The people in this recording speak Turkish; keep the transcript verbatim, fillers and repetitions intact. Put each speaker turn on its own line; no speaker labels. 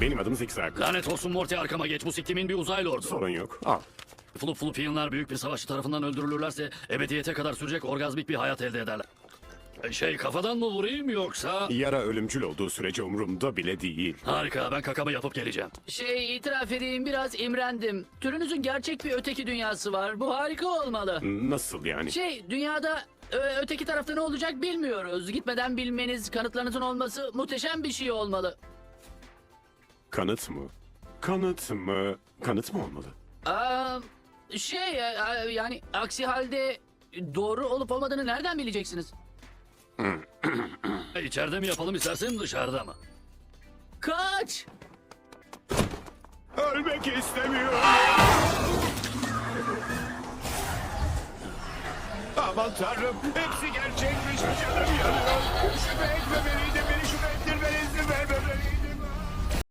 Benim adım Zigzag.
Lanet olsun Morty, arkama geç. Bu siktimin bir uzaylı ordu.
Sorun yok. Al.
Flup Flupianlar büyük bir savaşçı tarafından öldürülürlerse ebediyete kadar sürecek orgazmik bir hayat elde ederler. E, Şey, kafadan mı vurayım yoksa?
Yara ölümcül olduğu sürece umurumda bile değil.
Harika, ben kakamı yapıp geleceğim.
Şey, itiraf edeyim, biraz imrendim. Türünüzün gerçek bir öteki dünyası var. Bu harika olmalı.
Nasıl yani?
Şey, dünyada ö- öteki tarafta ne olacak bilmiyoruz. Gitmeden bilmeniz, kanıtlarınızın olması muhteşem bir şey olmalı.
Kanıt mı? Kanıt mı? Kanıt mı olmalı?
Aa, şey, e, e, yani aksi halde doğru olup olmadığını nereden bileceksiniz?
E, İçeride mi yapalım istersen dışarıda mı?
Kaç!
Ölmek istemiyorum. Aman tanrım, hepsi gerçekmiş. Canım yanıyor. Şüphe etmemeliydim.